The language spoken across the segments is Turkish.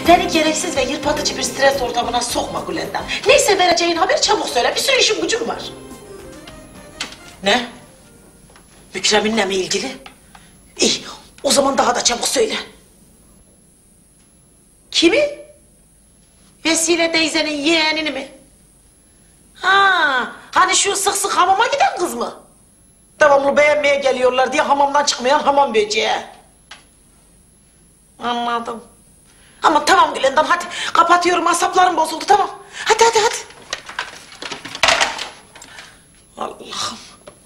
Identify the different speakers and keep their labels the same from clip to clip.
Speaker 1: Beni gereksiz ve yırpatıcı bir stres ortamına sokma Gülendam. Neyse vereceğin haber çabuk söyle. Bir sürü işim gücüm var. Ne? Mükremin'le mi ilgili? İyi, o zaman daha da çabuk söyle. Kimi? Vesile teyzenin yeğenini mi? Ha, hani şu sık sık hamama giden kız mı? Devamlı beğenmeye geliyorlar diye hamamdan çıkmayan hamam böceği. Anladım. Ama tamam Gülendam, hadi kapatıyorum, asaplarım bozuldu, tamam. Hadi. Allah'ım.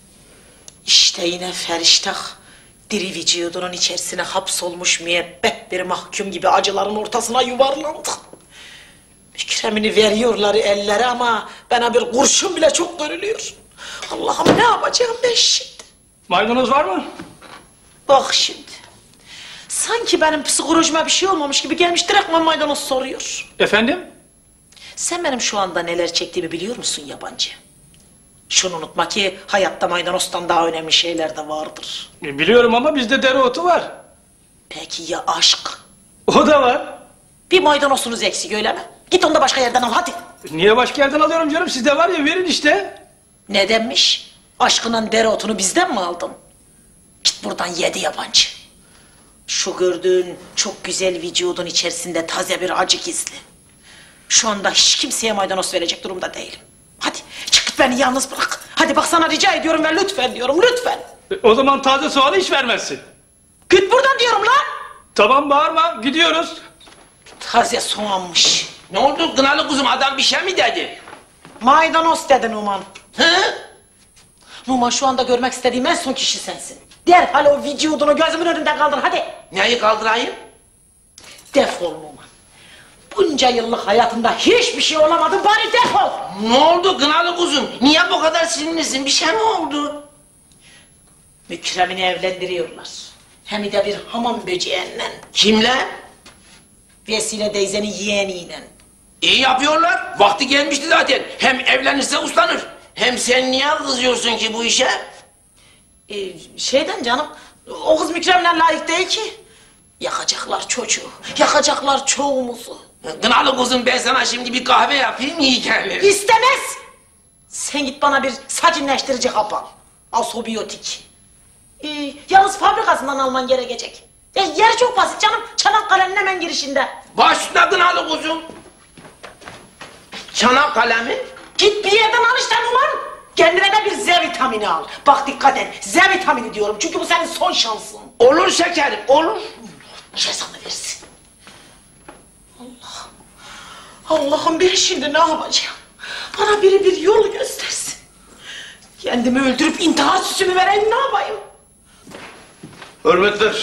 Speaker 1: İşte yine feriştah diri vücudunun içerisine hapsolmuş müebbet bir mahkum gibi acıların ortasına yuvarlandı. Mükremini veriyorlar ellere ama bana bir kurşun bile çok görülüyor. Allah'ım, ne yapacağım ben şimdi?
Speaker 2: Maydanoz var mı?
Speaker 1: Bak şimdi. Sanki benim psikolojime bir şey olmamış gibi gelmiş direkt maydanoz soruyor.
Speaker 2: Efendim?
Speaker 1: Sen benim şu anda neler çektiğimi biliyor musun yabancı? Şunu unutma ki hayatta maydanozdan daha önemli şeyler de vardır.
Speaker 2: Biliyorum ama bizde dereotu var.
Speaker 1: Peki ya aşk?
Speaker 2: O da var.
Speaker 1: Bir maydanozunuz eksik öyle mi? Git onu da başka yerden al hadi.
Speaker 2: Niye başka yerden alıyorum canım? Sizde var ya, verin işte.
Speaker 1: Ne demiş? Aşkının dereotunu bizden mi aldın? Git buradan yedi yabancı. Şu gördüğün çok güzel vücudun içerisinde taze bir acı gizli. Şu anda hiç kimseye maydanoz verecek durumda değilim. Hadi çık git, beni yalnız bırak. Hadi bak, sana rica ediyorum ve lütfen diyorum, lütfen.
Speaker 2: O zaman taze soğanı hiç vermezsin.
Speaker 1: Git buradan diyorum lan.
Speaker 2: Tamam, bağırma, gidiyoruz.
Speaker 1: Taze soğanmış.
Speaker 3: Ne oldu kınalı kuzum, adam bir şey mi dedi?
Speaker 1: Maydanoz dedin Numan.
Speaker 3: Hı?
Speaker 1: Numan, şu anda görmek istediğim en son kişi sensin. Derhal o vücudunu gözümün önünde kaldır hadi.
Speaker 3: Neyi kaldırayım?
Speaker 1: Defol Numan. Bunca yıllık hayatımda hiçbir şey olamadı, bari defol.
Speaker 3: Ne oldu kınalı kuzum? Niye bu kadar sinirlisin? Bir şey mi oldu?
Speaker 1: Mükremini evlendiriyorlar. Hem de bir hamam böceğinden.
Speaker 3: Kimle?
Speaker 1: Vesile teyzenin yeğeniyle.
Speaker 3: İyi yapıyorlar. Vakti gelmişti zaten. Hem evlenirse uslanır. Hem sen niye kızıyorsun ki bu işe?
Speaker 1: Şeyden canım, o kız Mükrem'le layık değil ki. Yakacaklar çocuğu, yakacaklar çoğumuzu.
Speaker 3: Kınalı kuzum, ben sana şimdi bir kahve yapayım, iyi gelir.
Speaker 1: İstemez! Sen git bana bir sakinleştirici hap al. Asobiyotik. Yalnız fabrikasından alman gerekecek. Yer çok basit canım, Çanakkale'nin hemen girişinde.
Speaker 3: Başla kınalı kuzum. Çanakkale mi?
Speaker 1: Git bir yerden al işte Numan. Kendine de bir Z vitamini al. Bak dikkat et, Z vitamini diyorum çünkü bu senin son şansın.
Speaker 3: Olur şekerim, olur.
Speaker 1: Cezanı versin. Allah'ım, ben şimdi ne yapacağım? Bana biri bir yol göstersin. Kendimi öldürüp intihar süsümü vereyim, ne yapayım?
Speaker 4: Hürmetler.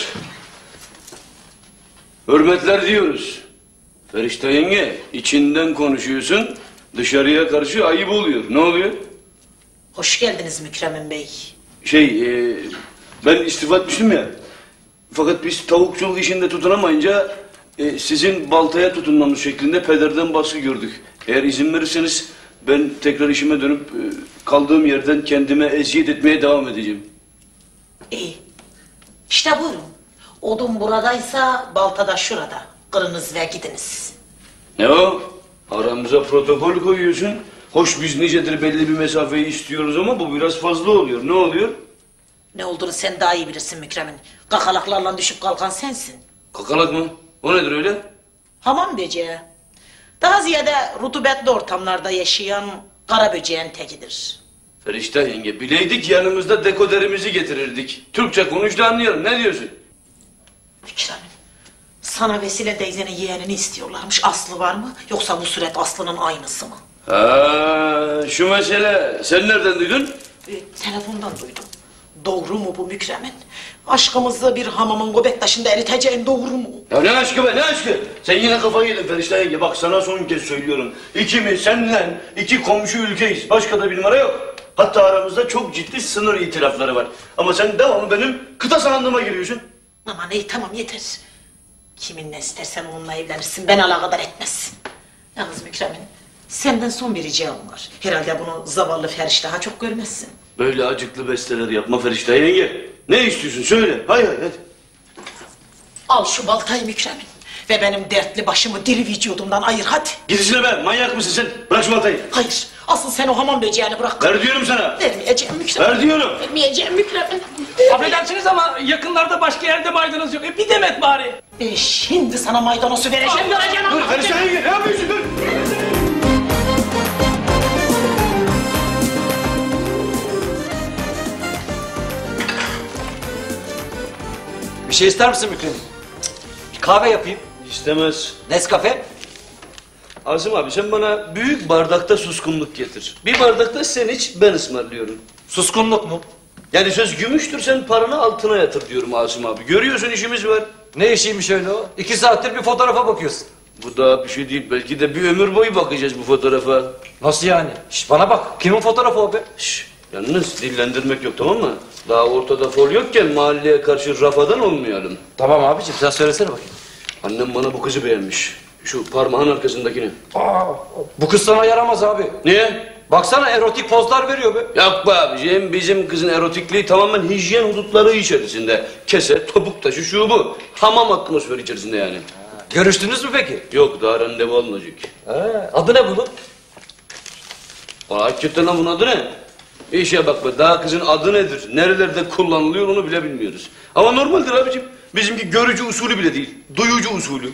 Speaker 4: Hürmetler diyoruz. Ferişte yenge, içinden konuşuyorsun, dışarıya karşı ayıp oluyor. Ne oluyor?
Speaker 1: Hoş geldiniz Mükremin Bey.
Speaker 4: Ben istifa etmiştim ya. Fakat biz tavukçuluk işinde tutunamayınca sizin baltaya tutunmamız şeklinde pederden baskı gördük. Eğer izin verirseniz ben tekrar işime dönüp kaldığım yerden kendime eziyet etmeye devam edeceğim.
Speaker 1: İyi. İşte buyurun. Odun buradaysa balta da şurada. Kırınız ve gidiniz.
Speaker 4: Ne o? Aramıza protokol koyuyorsun. Hoş biz nicedir belli bir mesafeyi istiyoruz ama bu biraz fazla oluyor. Ne oluyor?
Speaker 1: Ne olduğunu sen daha iyi bilirsin Mükremin. Kakalaklarla düşüp kalkan sensin.
Speaker 4: Kakalak mı? O nedir öyle?
Speaker 1: Hamam böceği. Daha ziyade rutubetli ortamlarda yaşayan kara böceğin tekidir.
Speaker 4: Ferişte yenge, bileydik yanımızda dekoderimizi getirirdik. Türkçe konuş da anlayalım. Ne diyorsun?
Speaker 1: Mükremin, sana Vesile teyzenin yeğenini istiyorlarmış. Aslı var mı? Yoksa bu suret Aslı'nın aynısı mı?
Speaker 4: Şu mesele. Sen nereden duydun?
Speaker 1: Telefondan duydum. Doğru mu bu Mükremin? Aşkımızı bir hamamın göbek taşında eriteceğin doğru mu?
Speaker 4: Ya ne aşkı be, ne aşkı? Sen yine kafayı yedin Ferişte yenge. Bak sana son kez söylüyorum. İkimiz seninle iki komşu ülkeyiz. Başka da bir numara yok. Hatta aramızda çok ciddi sınır itirafları var. Ama sen devamlı benim kıta sahandığıma giriyorsun.
Speaker 1: Aman iyi, tamam yeter. Kiminle istersen onunla evlenirsin, beni alakadar etmez. Yalnız Mükremin, senden son bir ricam var. Herhalde bunu zavallı Feriş daha çok görmezsin.
Speaker 4: Böyle acıklı besteler yapma Ferişte yenge. Ne istiyorsun söyle. Hay hadi.
Speaker 1: Al şu baltayı Mükremin. ve benim dertli başımı diri vücudumdan ayır hadi.
Speaker 4: Git işine be, manyak mısın sen? Bırak şu baltayı.
Speaker 1: Hayır, asıl sen o hamam böceğini bırak.
Speaker 4: Ver diyorum sana.
Speaker 1: Vermeyeceğim Mükremin.
Speaker 4: Ver diyorum.
Speaker 1: Vermeyeceğim Mükremin.
Speaker 2: Affedersiniz ama yakınlarda başka yerde maydanoz yok. Bir demet bari.
Speaker 1: Şimdi sana maydanozu vereceğim, göreceğim.
Speaker 4: Dur, karıştırmayın. Ne yapıyorsun? Dur.
Speaker 5: Bir şey ister misin Mükremin? Bir kahve yapayım.
Speaker 4: İstemez.
Speaker 5: Nescafe?
Speaker 4: Asım abi sen bana büyük bardakta suskunluk getir. Bir bardakta sen iç, ben ısmarlıyorum.
Speaker 5: Suskunluk mu?
Speaker 4: Yani söz gümüştür, sen paranı altına yatır diyorum Asım abi. Görüyorsun işimiz var.
Speaker 5: Ne işiymiş öyle o? 2 saattir bir fotoğrafa bakıyorsun.
Speaker 4: Bu daha bir şey değil. Belki de bir ömür boyu bakacağız bu fotoğrafa.
Speaker 5: Nasıl yani? Şş, bana bak. Kimin fotoğrafı o be?
Speaker 4: Şşş, yalnız dillendirmek yok, tamam mı? Daha ortada fol yokken mahalleye karşı rafadan olmayalım.
Speaker 5: Tamam abicim sen söylesene bakayım.
Speaker 4: Annem bana bu kızı beğenmiş. Şu parmağın arkasındakini.
Speaker 5: Aa, bu kız sana yaramaz abi.
Speaker 4: Niye?
Speaker 5: Baksana erotik pozlar veriyor be.
Speaker 4: Yok be abiciğim, bizim kızın erotikliği tamamen hijyen hudutları içerisinde. Kese, topuk taşı, şu bu. Hamam atmosferi içerisinde yani.
Speaker 5: Görüştünüz mü peki?
Speaker 4: Yok, daha randevu alınacak.
Speaker 5: Adı ne bunun?
Speaker 4: Hakikaten lan bunun adı ne? İşe bak be, daha kızın adı nedir? Nerelerde kullanılıyor onu bile bilmiyoruz. Ama normaldir abicim. Bizimki görücü usulü bile değil. Duyucu usulü.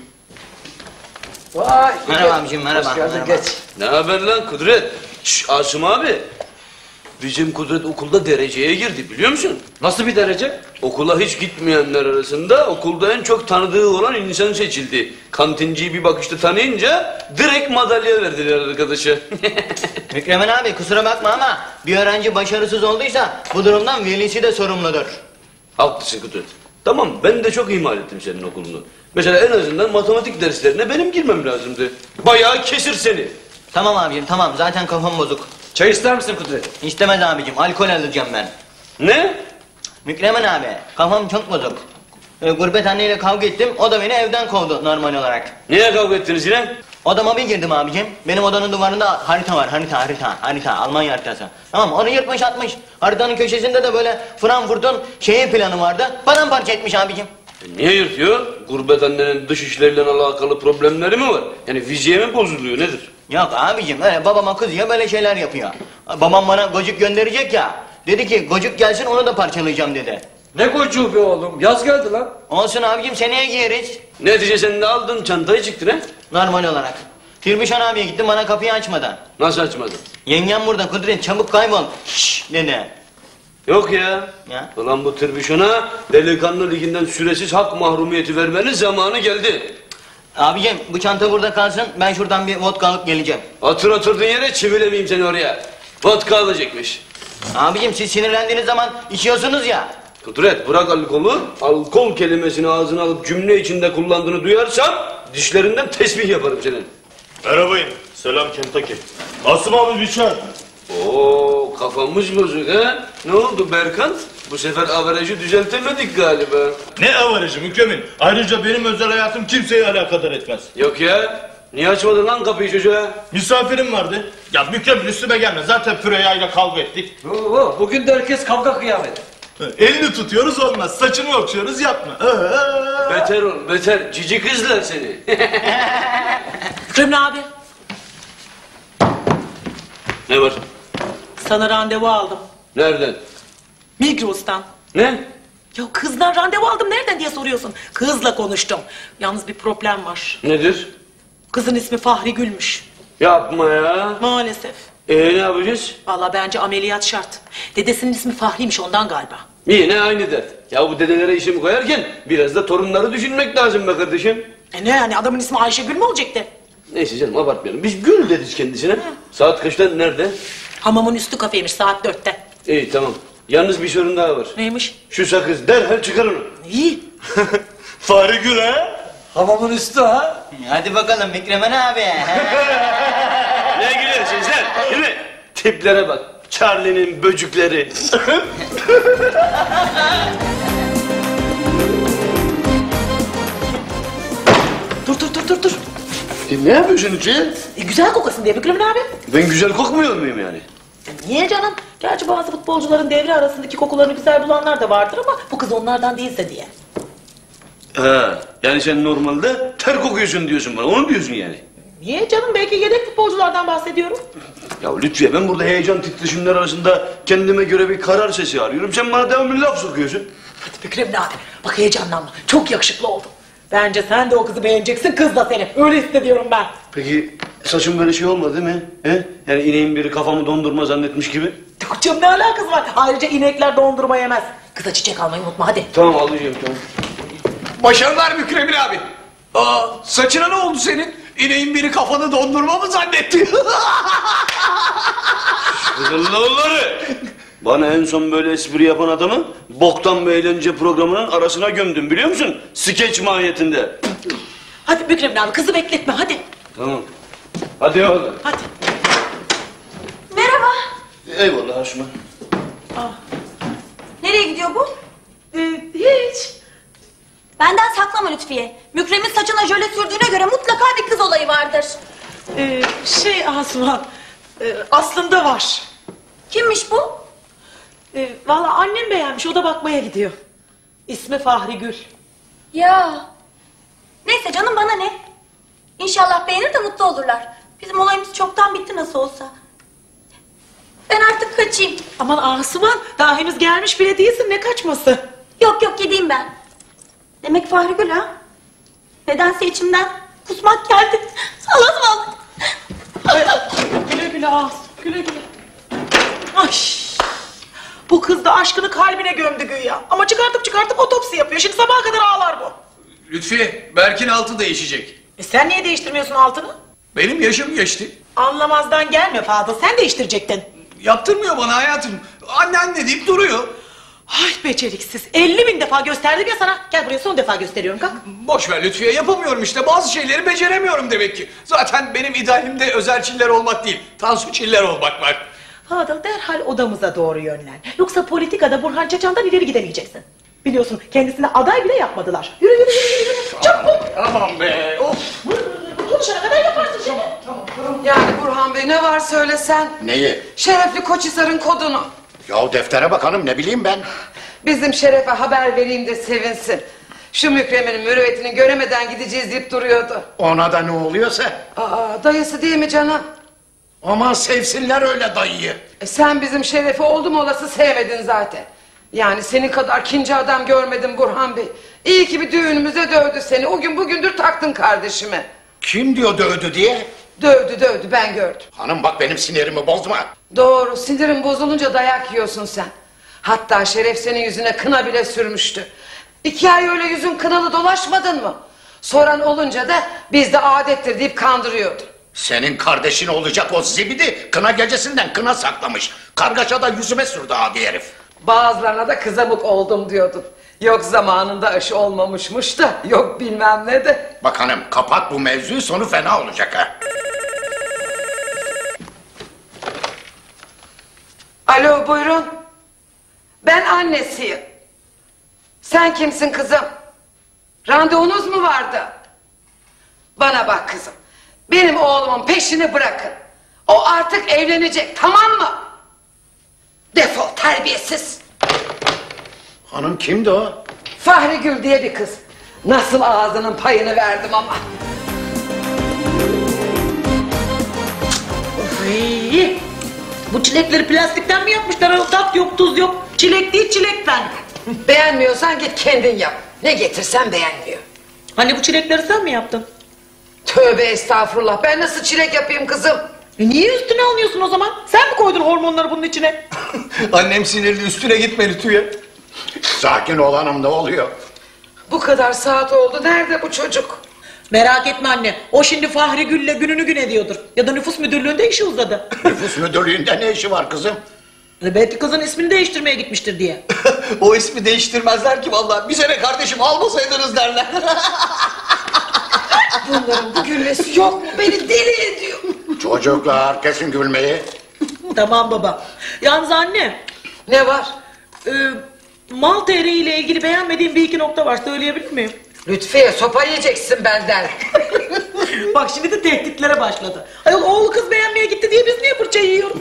Speaker 5: Vay.
Speaker 6: Merhaba abicim, merhaba.
Speaker 5: Hoş geldin,
Speaker 6: Merhaba.
Speaker 5: geç.
Speaker 4: Ne haber lan Kudret? Şşş Asım abi. Bizim Kudret okulda dereceye girdi biliyor musun?
Speaker 5: Nasıl bir derece?
Speaker 4: Okula hiç gitmeyenler arasında okulda en çok tanıdığı olan insan seçildi. Kantinciyi bir bakışta tanıyınca direkt madalya verdiler arkadaşa.
Speaker 6: Mükremin abi kusura bakma ama bir öğrenci başarısız olduysa bu durumdan velisi de sorumludur.
Speaker 4: Haklısın Kudret. Tamam, ben de çok ihmal ettim senin okulunu. Mesela en azından matematik derslerine benim girmem lazımdı. Bayağı kesir seni.
Speaker 6: Tamam abicim tamam, zaten kafam bozuk.
Speaker 5: Çay ister misin Kudret?
Speaker 6: İstemez abicim, alkol alacağım ben.
Speaker 4: Ne?
Speaker 6: Mükremin abi kafam çok bozuk. Gurbet anneyle kavga ettim, o da beni evden kovdu normal olarak.
Speaker 4: Niye kavga ettiniz yine?
Speaker 6: Odama bir girdim abicim. Benim odanın duvarında harita var. Harita. Almanya haritası. Tamam, onu yırtmış atmış. Haritanın köşesinde de böyle Frankfurt'un planı vardı. Paramparça etmiş abicim.
Speaker 4: Niye yırtıyor? Gurbet annenin dış işleriyle alakalı problemleri mi var? Yani fiziğe mi bozuluyor nedir?
Speaker 6: Yok abicim, öyle babama kızıyor, böyle şeyler yapıyor. Babam bana gocuk gönderecek ya. Dedi ki gocuk gelsin, onu da parçalayacağım dedi.
Speaker 5: Ne gocuğu be oğlum? Yaz geldi lan.
Speaker 6: Olsun abicim, seneye giyeriz.
Speaker 4: Netice sen de aldın çantayı çıktın ha?
Speaker 6: Normal olarak. Tirbişan abiye gittim, bana kapıyı açmadı.
Speaker 4: Nasıl açmadın?
Speaker 6: Yengem burada, Kudret çabuk kaybol. Şşş dedi.
Speaker 4: Yok ya.
Speaker 6: Ya.
Speaker 4: Ulan bu Tırbişon'a delikanlı liginden süresiz hak mahrumiyeti vermenin zamanı geldi.
Speaker 6: Abicim bu çanta burada kalsın, ben şuradan bir vodka alıp geleceğim.
Speaker 4: Oturduğun yere çivilemeyeyim seni oraya. Vodka alacakmış.
Speaker 6: Abicim siz sinirlendiğiniz zaman içiyorsunuz ya.
Speaker 4: Kudret bırak alkolü. Alkol kelimesini ağzına alıp cümle içinde kullandığını duyarsam dişlerinden tesbih yaparım senin.
Speaker 7: Merhabayın. Selam Kentucky. Asım abi bir çay.
Speaker 4: Oo kafamız bozuk ha? Ne oldu Berkant? Bu sefer averajı düzeltemedik galiba.
Speaker 7: Ne avarajı Mükremin. Ayrıca benim özel hayatım kimseyi alakadar etmez.
Speaker 4: Yok ya. Niye açmadın lan kapıyı çocuğa?
Speaker 7: Misafirim vardı. Ya Mükremin üstüme gelme. Zaten Füreya ile kavga ettik.
Speaker 5: Oo, bugün de herkes kavga kıyamet.
Speaker 7: Elini tutuyoruz olmaz. Saçını okşuyoruz yapma.
Speaker 4: Beter ol beter. Cici kızlar seni.
Speaker 1: Mükremin abi,
Speaker 4: Ne var?
Speaker 1: sana randevu aldım.
Speaker 4: Nereden?
Speaker 1: Migros'tan.
Speaker 4: Ne?
Speaker 1: Ya kızdan randevu aldım nereden diye soruyorsun. Kızla konuştum. Yalnız bir problem var.
Speaker 4: Nedir?
Speaker 1: Kızın ismi Fahri Gül'müş.
Speaker 4: Yapma ya.
Speaker 1: Maalesef.
Speaker 4: Ne yapacağız?
Speaker 1: Vallahi bence ameliyat şart. Dedesinin ismi Fahri'ymiş ondan galiba.
Speaker 4: Yine aynı dert. Ya bu dedelere işimi koyarken biraz da torunları düşünmek lazım be kardeşim.
Speaker 1: Ne yani, adamın ismi Ayşegül mü olacaktı?
Speaker 4: Neyse canım abartmayalım. Biz Gül deriz kendisine. Saat kaçta nerede?
Speaker 1: Hamamın üstü kafeymiş saat 4'te.
Speaker 4: İyi tamam. Yalnız bir sorun daha var.
Speaker 1: Neymiş?
Speaker 4: Şu sakız derhal çıkar onu.
Speaker 1: İyi.
Speaker 7: Fahri Gül ha?
Speaker 5: Hamamın üstü ha.
Speaker 6: Hadi bakalım Mükremin abi.
Speaker 4: Ne gülüyorsunuz lan? Değil mi? Tiplere bak. Charlie'nin böcükleri.
Speaker 1: Dur.
Speaker 4: Ne yapıyorsun Uçuya?
Speaker 1: Güzel kokasın diye Mükremin abi.
Speaker 4: Ben güzel kokmuyor muyum yani?
Speaker 1: Niye canım? Gerçi bazı futbolcuların devre arasındaki kokularını güzel bulanlar da vardır ama bu kız onlardan değilse diye.
Speaker 4: Ha. Yani sen normalde ter kokuyorsun diyorsun bana. Onu diyorsun yani.
Speaker 1: Niye canım? Belki yedek futbolculardan bahsediyorum.
Speaker 4: Ya Lütfiye, ben burada heyecan titreşimler arasında kendime göre bir karar sesi arıyorum. Sen bana devamlı laf sokuyorsun.
Speaker 1: Hadi Mükremin abi. Bak heyecanlanma. Çok yakışıklı oldun. Bence sen de o kızı beğeneceksin. Kız da seni. Öyle hissediyorum ben.
Speaker 4: Peki saçım böyle şey olmadı değil mi? He? Yani ineğin biri kafamı dondurma zannetmiş gibi.
Speaker 1: Canım ne alakası var? Ayrıca inekler dondurma yemez. Kıza çiçek almayı unutma hadi.
Speaker 4: Tamam alacağım, tamam.
Speaker 2: Başarılar Mükremin abi. Aa, saçına ne oldu senin? İneğin biri kafanı dondurma mı zannetti?
Speaker 4: Kızıllıoğulları! Bana en son böyle espri yapan adamı boktan bir eğlence programının arasına gömdüm, biliyor musun? Skeç mahiyetinde.
Speaker 1: Hadi Mükremin abi kızı bekletme hadi.
Speaker 4: Tamam. Hadi oğlum.
Speaker 1: Hadi.
Speaker 8: Merhaba.
Speaker 4: Eyvallah Haşma.
Speaker 8: Nereye gidiyor bu?
Speaker 1: Hiç.
Speaker 8: Benden saklama Lütfiye. Mükremin saçına jöle sürdüğüne göre mutlaka bir kız olayı vardır.
Speaker 1: Asuman. Aslında var.
Speaker 8: Kimmiş bu?
Speaker 1: Vallahi annem beğenmiş. O da bakmaya gidiyor. İsmi Fahri Gül.
Speaker 8: Ya. Neyse canım bana ne? İnşallah beğenir de mutlu olurlar. Bizim olayımız çoktan bitti nasıl olsa. Ben artık kaçayım.
Speaker 1: Aman Asuman. Daha henüz gelmiş bile değilsin. Ne kaçması?
Speaker 8: Yok yok gideyim ben. Demek Fahri Gül ha? Nedense içimden kusmak geldi. Allah'ım.
Speaker 1: Güle güle Asuman. Güle güle. Ay. Bu kız da aşkını kalbine gömdü güya. Ama çıkartıp otopsi yapıyor. Şimdi sabaha kadar ağlar bu.
Speaker 2: Lütfiye, Berk'in altı değişecek.
Speaker 1: Sen niye değiştirmiyorsun altını?
Speaker 2: Benim yaşım geçti.
Speaker 1: Anlamazdan gelme Fadıl. Sen değiştirecektin.
Speaker 2: Yaptırmıyor bana hayatım. Anne deyip duruyor.
Speaker 1: Ay beceriksiz. 50.000 defa gösterdim ya sana. Gel buraya son defa gösteriyorum kalk.
Speaker 2: Boş ver Lütfiye, yapamıyorum işte. Bazı şeyleri beceremiyorum demek ki. Zaten benim idealimde özel çiller olmak değil, Tansu çiller olmak var.
Speaker 1: Fadıl derhal odamıza doğru yönlen. Yoksa politikada Burhan Çaçan'dan ileri gidemeyeceksin. Biliyorsun kendisine aday bile yapmadılar. Yürü. Çabuk.
Speaker 2: Aman be, of.
Speaker 1: Konuşana kadar yaparsın şimdi.
Speaker 9: Yani Burhan Bey ne var söylesen.
Speaker 10: Neyi?
Speaker 9: Şerefli Koçhisar'ın kodunu.
Speaker 10: Ya deftere bak hanım, ne bileyim ben.
Speaker 9: Bizim Şeref'e haber vereyim de sevinsin. Şu Mükremin'in mürüvvetini göremeden gideceğiz deyip duruyordu.
Speaker 10: Ona da ne oluyorsa.
Speaker 9: Dayısı değil mi canım?
Speaker 10: Aman sevsinler öyle dayıyı.
Speaker 9: Sen bizim Şeref'i oldum olası sevmedin zaten. Yani senin kadar kinci adam görmedim Burhan Bey. İyi ki bir düğünümüze dövdü seni. O gün bugündür taktın kardeşime.
Speaker 10: Kim diyor dövdü diye?
Speaker 9: Dövdü ben gördüm.
Speaker 10: Hanım bak benim sinirimi bozma.
Speaker 9: Doğru, sinirin bozulunca dayak yiyorsun sen. Hatta Şeref senin yüzüne kına bile sürmüştü. 2 ay öyle yüzün kınalı dolaşmadın mı? Soran olunca da bizde adettir deyip kandırıyordu.
Speaker 10: Senin kardeşin olacak o zibidi kına gecesinden kına saklamış. Kargaşa da yüzüme sürdü adi herif.
Speaker 9: Bazılarına da kızamık oldum diyordun. Yok zamanında aşı olmamışmış da yok bilmem ne de.
Speaker 10: Bak hanım kapat bu mevzuyu, sonu fena olacak ha.
Speaker 9: Alo buyurun. Ben annesiyim. Sen kimsin kızım? Randevunuz mu vardı? Bana bak kızım. Benim oğlumun peşini bırakın. O artık evlenecek, tamam mı? Defol terbiyesiz.
Speaker 10: Hanım kimdi o?
Speaker 9: Fahri Gül diye bir kız. Nasıl ağzının payını verdim ama.
Speaker 1: Ay, bu çilekleri plastikten mi yapmışlar? Tat yok, tuz yok. Çilek değil, çilekten.
Speaker 9: Beğenmiyorsan git kendin yap. Ne getirsen beğenmiyor.
Speaker 1: Hani bu çilekleri sen mi yaptın?
Speaker 9: Tövbe estağfurullah. Ben nasıl çilek yapayım kızım?
Speaker 1: Niye üstüne alıyorsun o zaman? Sen mi koydun hormonları bunun içine?
Speaker 2: Annem sinirli, üstüne gitme Lütfiye.
Speaker 10: Sakin ol hanım, ne oluyor?
Speaker 9: Bu kadar saat oldu. Nerede bu çocuk?
Speaker 1: Merak etme anne. O şimdi Fahri Gül'le gününü gün ediyordur. Ya da nüfus müdürlüğünde işi uzadı.
Speaker 10: Nüfus müdürlüğünde ne işi var kızım?
Speaker 1: Belki kızın ismini değiştirmeye gitmiştir diye.
Speaker 2: O ismi değiştirmezler ki vallahi. Bize ne kardeşim, almasaydınız derler.
Speaker 9: Bunların bu gülmesi yok mu? Beni deli ediyor.
Speaker 10: Çocuklar kesin gülmeyi.
Speaker 1: Tamam baba. Yalnız anne.
Speaker 9: Ne var?
Speaker 1: Mal TR ile ilgili beğenmediğim bir iki nokta var. Söyleyebilir miyim?
Speaker 9: Lütfiye sopa yiyeceksin benden.
Speaker 1: Bak şimdi de tehditlere başladı. Ayol oğlu kız beğenmeye gitti diye biz niye fırça yiyoruz?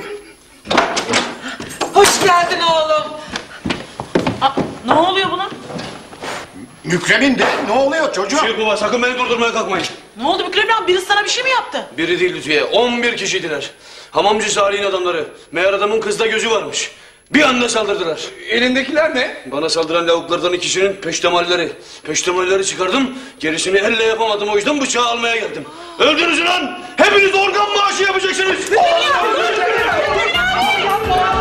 Speaker 9: Hoş geldin oğlum.
Speaker 1: Ne oluyor buna?
Speaker 10: Mükremin de ne oluyor çocuğum?
Speaker 4: Şey baba sakın beni durdurmaya kalkmayın.
Speaker 1: Ne oldu Mükremin abi? Birisi sana bir şey mi yaptı?
Speaker 4: Biri değil Lütfiye, 11 kişiydiler. Hamamcı Salih'in adamları. Meğer adamın kızda gözü varmış. Bir anda saldırdılar.
Speaker 2: Elindekiler ne?
Speaker 4: Bana saldıran lavuklardan ikisinin peştemalleri. Peştemalleri çıkardım, gerisini elle yapamadım. O yüzden bıçağı almaya geldim. Öldünüz lan! Hepiniz organ maaşı yapacaksınız!